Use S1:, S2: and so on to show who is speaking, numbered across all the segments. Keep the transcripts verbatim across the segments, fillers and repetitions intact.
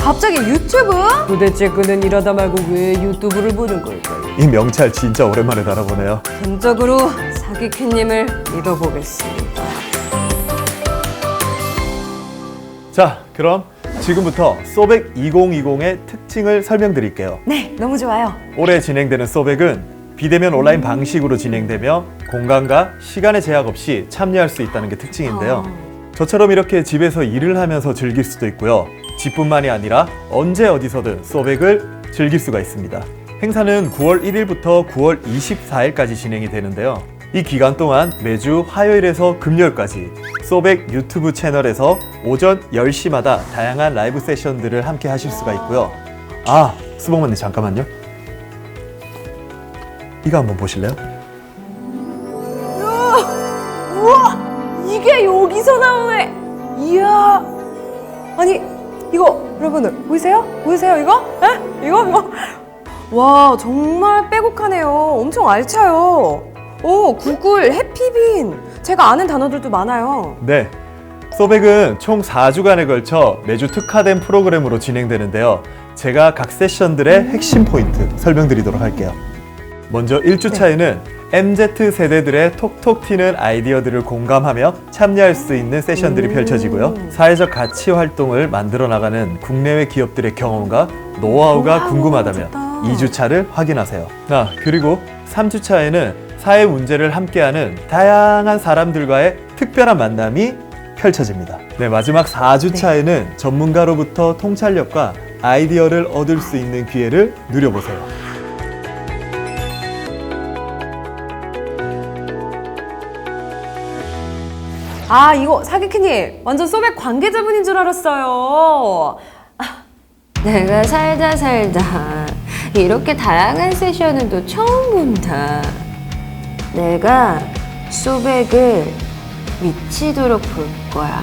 S1: 갑자기 유튜브? 도대체 그는 일하다 말고 왜 유튜브를 보는 걸까요?
S2: 이 명찰 진짜 오랜만에 달아보네요.
S1: 전적으로 사기캐님을 믿어보겠습니다.
S2: 자, 그럼 지금부터 소백 이천이십의 특징을 설명드릴게요.
S1: 네, 너무 좋아요.
S2: 올해 진행되는 소백은 비대면 온라인 방식으로 진행되며 공간과 시간의 제약 없이 참여할 수 있다는 게 특징인데요.
S1: 아.
S2: 저처럼 이렇게 집에서 일을 하면서 즐길 수도 있고요. 집뿐만이 아니라 언제 어디서든 소백을 즐길 수가 있습니다. 행사는 구월 일일부터 구월 이십사일까지 진행이 되는데요. 이 기간 동안 매주 화요일에서 금요일까지 소백 유튜브 채널에서 오전 열 시마다 다양한 라이브 세션들을 함께 하실 수가 있고요. 아, 수봉만님 잠깐만요. 이거 한번 보실래요?
S1: 우와! 이게 여기서 나오네! 이야! 아니, 이거 여러분들 보이세요? 보이세요 이거? 에? 이거? 이거? 와, 정말 빼곡하네요. 엄청 알차요. 오, 구글, 해피빈. 제가 아는 단어들도 많아요.
S2: 네. 소백은 총 사 주간에 걸쳐 매주 특화된 프로그램으로 진행되는데요. 제가 각 세션들의 핵심 포인트 설명드리도록 할게요. 먼저 일 주차에는 네. 엠지 세대들의 톡톡 튀는 아이디어들을 공감하며 참여할 수 있는 세션들이
S1: 음.
S2: 펼쳐지고요. 사회적 가치 활동을 만들어 나가는 국내외 기업들의 경험과 노하우가
S1: 우와,
S2: 궁금하다면
S1: 좋다.
S2: 이 주차를 확인하세요. 아, 그리고 삼 주차에는 사회 문제를 함께하는 다양한 사람들과의 특별한 만남이 펼쳐집니다. 네, 마지막 사 주차에는 네. 전문가로부터 통찰력과 아이디어를 얻을 수 있는 기회를 누려보세요.
S1: 아, 이거 사기캐님 완전 소백 관계자분인 줄 알았어요. 아, 내가 살다 살다 이렇게 다양한 세션은 또 처음 본다. 내가 소백을 미치도록 볼 거야.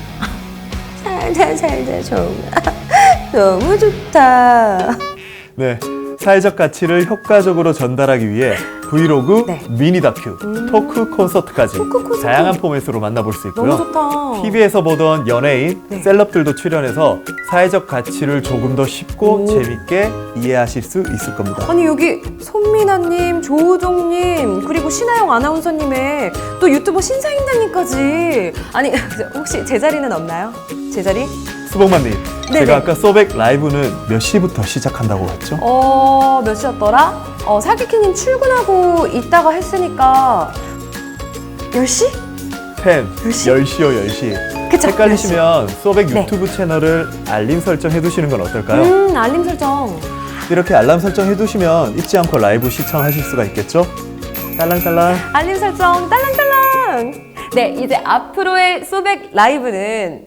S1: 살다 살다 정말 너무 좋다.
S2: 네, 사회적 가치를 효과적으로 전달하기 위해 브이로그,
S1: 네.
S2: 미니 다큐,
S1: 음.
S2: 토크 콘서트까지
S1: 토크 콘서트.
S2: 다양한 포맷으로 만나볼 수 있고요.
S1: 너무 좋다.
S2: 티비에서 보던 연예인,
S1: 네.
S2: 셀럽들도 출연해서 사회적 가치를 조금 더 쉽고
S1: 오.
S2: 재밌게 이해하실 수 있을 겁니다.
S1: 아니, 여기 손미나님, 조우종님, 그리고 신하영 아나운서님의 또 유튜버 신사임당님까지. 아니, 혹시 제 자리는 없나요? 제 자리?
S2: 수봉만님,
S1: 네네.
S2: 제가 아까 소백 라이브는 몇 시부터 시작한다고 했죠?
S1: 어, 몇 시였더라? 어, 사기캐님 출근하고 있다가 했으니까 열 시?
S2: 팬,
S1: 열 시?
S2: 열 시요, 열 시.
S1: 그쵸?
S2: 헷갈리시면 소백
S1: 네.
S2: 유튜브 채널을 알림 설정 해두시는 건 어떨까요?
S1: 음, 알림 설정.
S2: 이렇게 알람 설정 해두시면 잊지 않고 라이브 시청하실 수가 있겠죠? 딸랑딸랑.
S1: 알림 설정 딸랑딸랑. 네, 이제 앞으로의 소백 라이브는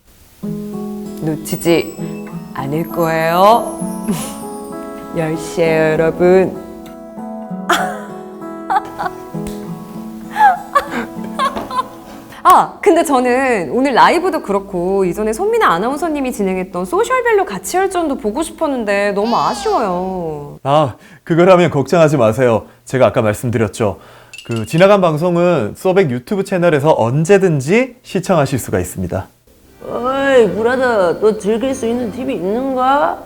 S1: 놓치지 않을 거예요. 열 시에요, 여러분. 아, 근데 저는 오늘 라이브도 그렇고 이전에 손민아 아나운서님이 진행했던 소셜별로 가치 열전도 보고 싶었는데 너무 아쉬워요.
S2: 아, 그거라면 걱정하지 마세요. 제가 아까 말씀드렸죠. 그 지나간 방송은 소백 유튜브 채널에서 언제든지 시청하실 수가 있습니다.
S3: 어이, 브라더, 너 즐길 수 있는 팁이 있는가?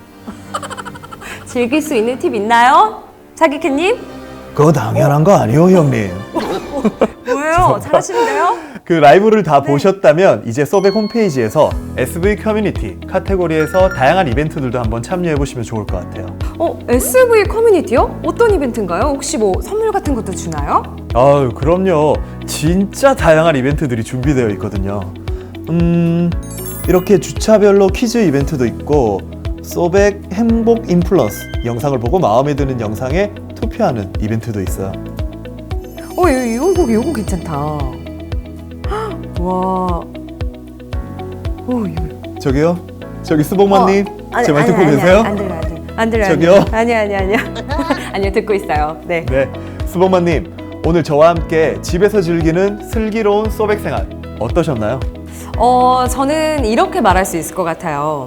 S1: 즐길 수 있는 팁 있나요? 사기캐님?
S2: 그거 당연한 거 아니요, 형님.
S1: 뭐예요? 잘하시는데요?
S2: 그 라이브를 다 보셨다면 이제 소백 홈페이지에서 에스브이 커뮤니티 카테고리에서 다양한 이벤트들도 한번 참여해 보시면 좋을 것 같아요.
S1: 어, 에스브이 커뮤니티요? 어떤 이벤트인가요? 혹시 뭐 선물 같은 것도 주나요?
S2: 아유, 그럼요. 진짜 다양한 이벤트들이 준비되어 있거든요. 음, 이렇게 주차별로 퀴즈 이벤트도 있고 소백 행복 인플루언스 영상을 보고 마음에 드는 영상에 투표하는 이벤트도 있어요.
S1: 어, 이거, 이거, 이거 괜찮다. 헉, 와. 오, 이거.
S2: 저기요? 저기 수봉만님?
S1: 아니,
S2: 제 말
S1: 아니,
S2: 듣고
S1: 아니,
S2: 계세요?
S1: 안 들려요, 안 들려요. 안 들려요.
S2: 저기요?
S1: 아니, 아니, 아니요. 아니요, 듣고 있어요. 네.
S2: 네, 수봉만님 오늘 저와 함께 집에서 즐기는 슬기로운 소백 생활 어떠셨나요?
S1: 어, 저는 이렇게 말할 수 있을 것 같아요.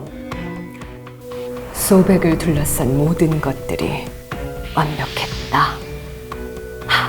S1: 소백을 둘러싼 모든 것들이 완벽했다. 하.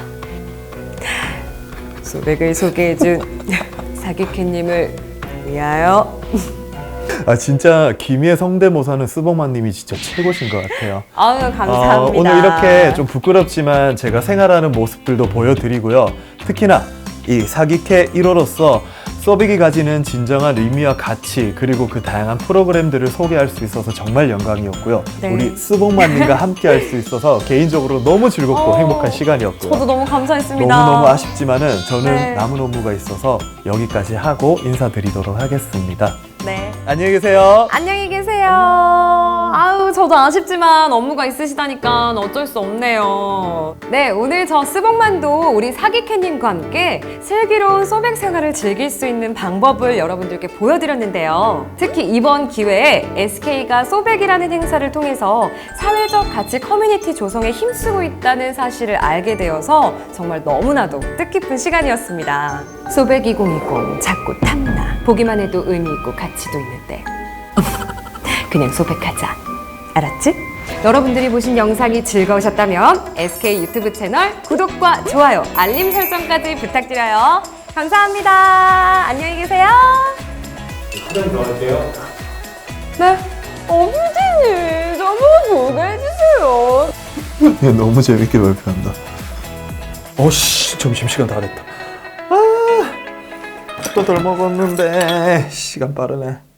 S1: 소백을 소개해준 사기캐님을 위하여
S2: 아 진짜 김희애 성대모사는 스봉만님이 진짜 최고신 것 같아요.
S1: 아유, 감사합니다.
S2: 어, 오늘 이렇게 좀 부끄럽지만 제가 생활하는 모습들도 보여드리고요. 특히나 이 사기캐 일 호로서 소백이 가지는 진정한 의미와 가치 그리고 그 다양한 프로그램들을 소개할 수 있어서 정말 영광이었고요.
S1: 네.
S2: 우리 스봉만님과 함께 할 수 있어서 개인적으로 너무 즐겁고
S1: 어,
S2: 행복한 시간이었고요.
S1: 저도 너무 감사했습니다.
S2: 너무너무 아쉽지만은 저는
S1: 네.
S2: 남은 업무가 있어서 여기까지 하고 인사드리도록 하겠습니다.
S1: 네.
S2: 안녕히 계세요.
S1: 안녕히 계세요. 아우, 저도 아쉽지만 업무가 있으시다니까 어쩔 수 없네요. 네, 오늘 저 스봉만도 우리 사기캐님과 함께 슬기로운 소백 생활을 즐길 수 있는 방법을 여러분들께 보여드렸는데요. 특히 이번 기회에 에스케이가 소백이라는 행사를 통해서 사회적 가치 커뮤니티 조성에 힘쓰고 있다는 사실을 알게 되어서 정말 너무나도 뜻깊은 시간이었습니다. 소백 이천이십 자꾸 탐나. 보기만 해도 의미 있고 가치도 있는데 그냥 소백하자. 알았지? 여러분들이 보신 영상이 즐거우셨다면 에스케이 유튜브 채널 구독과 좋아요, 알림 설정까지 부탁드려요. 감사합니다. 안녕히 계세요.
S2: 수정 더 할게요.
S1: 네. 어, 피디님, 저보고 보내주세요.
S2: 얘 너무 재밌게 발표한다. 어씨, 점심시간 다 됐다. 아, 또 덜 먹었는데 시간 빠르네.